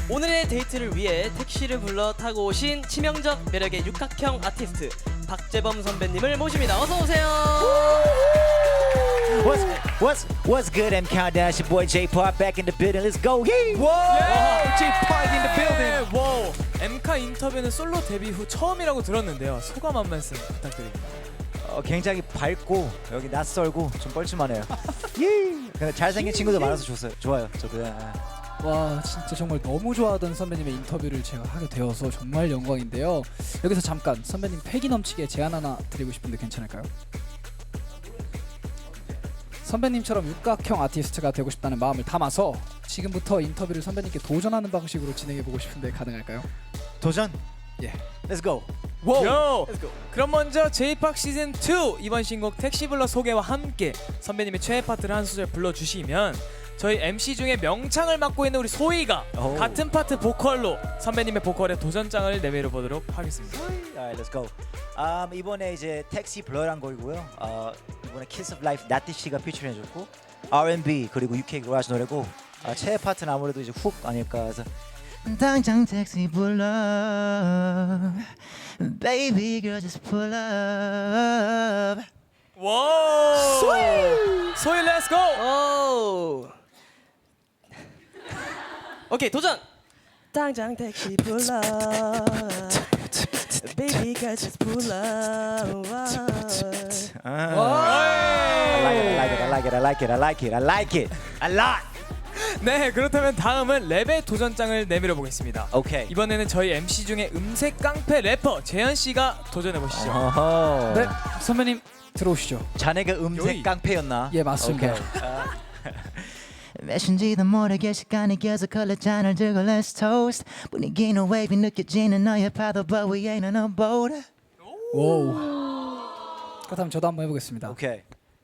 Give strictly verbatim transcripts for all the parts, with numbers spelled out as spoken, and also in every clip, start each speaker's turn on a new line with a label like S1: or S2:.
S1: 오늘의 데이트를 위해 택시를 불러 타고 오신 치명적 매력의 육각형 아티스트 박재범 선배님을 모십니다. 어서 오세요.
S2: What's what's what's good? I'm Countdown. It's your boy J-Pop back in the building. Let's go. Yeah.
S3: Wow, J-Pop in the building. 와우, 엠카 인터뷰는 솔로 데뷔 후 처음이라고 들었는데요. 소감 한 말씀 부탁드립니다.
S2: 어, 굉장히 밝고 여기 낯설고 좀 뻘쭘하네요. 예. 근데 잘생긴 친구들 많아서 좋아요. 좋아요. 저도. 예.
S4: 와 진짜 정말 너무 좋아하던 선배님의 인터뷰를 제가 하게 되어서 정말 영광인데요. 여기서 잠깐 선배님 패기 넘치게 제안 하나 드리고 싶은데 괜찮을까요? 선배님처럼 육각형 아티스트가 되고 싶다는 마음을 담아서 지금부터 인터뷰를 선배님께 도전하는 방식으로 진행해보고 싶은데 가능할까요?
S2: 도전.
S4: 예.
S2: Let's go.
S3: 요! 그럼 먼저 J-팝 시즌 투 이번 신곡 택시블러 소개와 함께 선배님의 최애 파트를 한 소절 불러주시면 저희 엠씨 중에 명창을 맡고 있는 우리 소희가
S2: 오.
S3: 같은 파트 보컬로 선배님의 보컬에 도전장을 내밀어 보도록 하겠습니다.
S2: Alright, let's go. Um, 이번에 이제 택시 블러란 곡이고요. 어, 이번에 Kiss of Life 나티 씨가 피처링해줬고 알 앤 비 그리고 유케이 그라지 노래고 어, 최애 파트는 아무래도 이제 훅 아닐까 해서 당장 택시 불러 Baby girl just pull up.
S3: 와! 소희! 소희 렛츠 고!
S1: 오. 오케이 도전. 당장 택시 불러. Baby girl just pull up.
S2: I like it, I like it, I like it, I like it, I like it, I like it, a lot.
S3: 네, 그렇다면 다음은 랩의 도전장을 내밀어 보겠습니다.
S2: 오케이.
S3: 이번에는 저희 엠씨 중에 음색 깡패 래퍼 재현 씨가 도전해 보시죠.
S2: 어허.
S4: 네 선배님 들어오시죠.
S2: 자네가 음색
S3: 요이.
S2: 깡패였나?
S4: 예 맞습니다.
S2: 몇인지도 모르게 시간이 계속 흘러 잔을 들고 Let's toast 분위기는 wavy 느껴지는 너의 파도 But we ain't on a boat.
S4: 와우. 그렇다면 저도 한번 해보겠습니다.
S2: 오케이.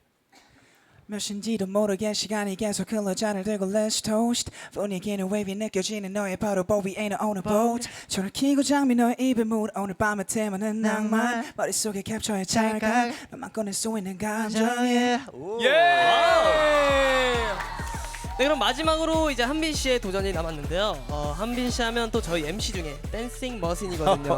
S5: 몇인지도 모르게 시간이 계속 흘러 잔을 들고 Let's toast 분위기는 wavy 느껴지는 너의 바로 But we ain't on a boat 전을 켜고 장미 너의 입에 물 오늘 밤의 테마는 낭만 머릿속에 캡처해 찰칵 너만 꺼낼 수 있는 감정 yeah.
S3: 예!
S1: 네 그럼 마지막으로 이제 한빈 씨의 도전이 남았는데요. 어, 한빈 씨 하면 또 저희 엠씨 중에 댄싱 머신이거든요.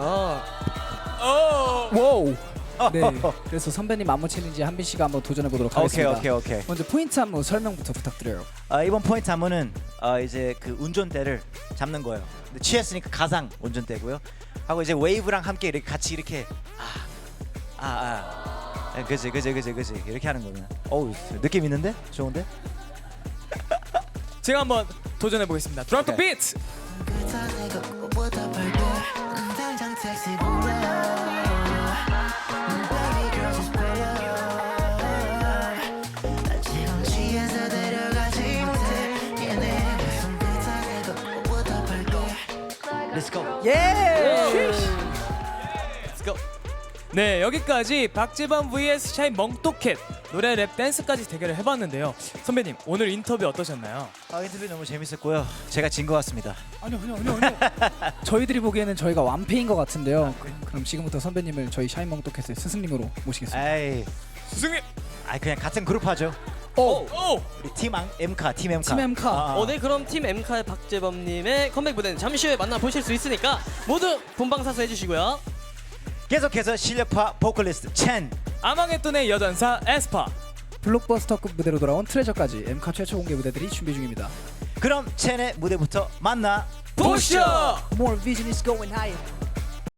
S3: 오!
S4: 와우. 네. 그래서 선배님 안무 챌린지 한빈 씨가 한번 도전해 보도록
S2: 오케이
S4: 하겠습니다.
S2: 오케이 오케이.
S4: 먼저 포인트 안무 설명부터 부탁드려요.
S2: 아, 이번 포인트 안무는 어, 이제 그 운전대를 잡는 거예요. 근데 취했으니까 가상 운전대고요. 하고 이제 웨이브랑 함께 이렇게 같이 이렇게 아, 아, 아, 그지 그지 그지 그지 이렇게 하는 거면. 어우 느낌 있는데? 좋은데?
S3: 제가 한번 도전해 보겠습니다. 드랍 더
S2: 오케이.
S3: 비트.
S2: Let's go.
S1: Let's go.
S3: 네, 여기까지 박재범 vs 샤인 멍또캣 노래 랩 댄스까지 대결을 해봤는데요. 선배님 오늘 인터뷰 어떠셨나요?
S2: 아, 인터뷰 너무 재밌었고요. 제가 진 것 같습니다.
S4: 아니요 아니요 아니요 아니요. 저희들이 보기에는 저희가 완패인 것 같은데요. 그럼 지금부터 선배님을 저희 샤인멍또캣의 스승님으로 모시겠습니다.
S2: 에이,
S3: 스승님.
S2: 아 그냥 같은 그룹 하죠.
S4: 오!
S3: 오!
S2: 우리 팀 앙- 엠카, 팀 엠카.
S4: 팀 엠카.
S2: 아, 아.
S1: 어, 네 그럼 팀 엠카의 박재범님의 컴백 무대는 잠시 후에 만나보실 수 있으니까 모두 본방사수 해주시고요.
S2: 계속해서 실력파 보컬리스트 첸.
S3: 아망의 돈의 여전사 에스파.
S4: 블록버스터급 무대로 돌아온 트레저까지 엠카 최초 공개 무대들이 준비 중입니다.
S2: 그럼 첸의 무대부터 만나
S3: 보시죠.
S4: More vision is going higher.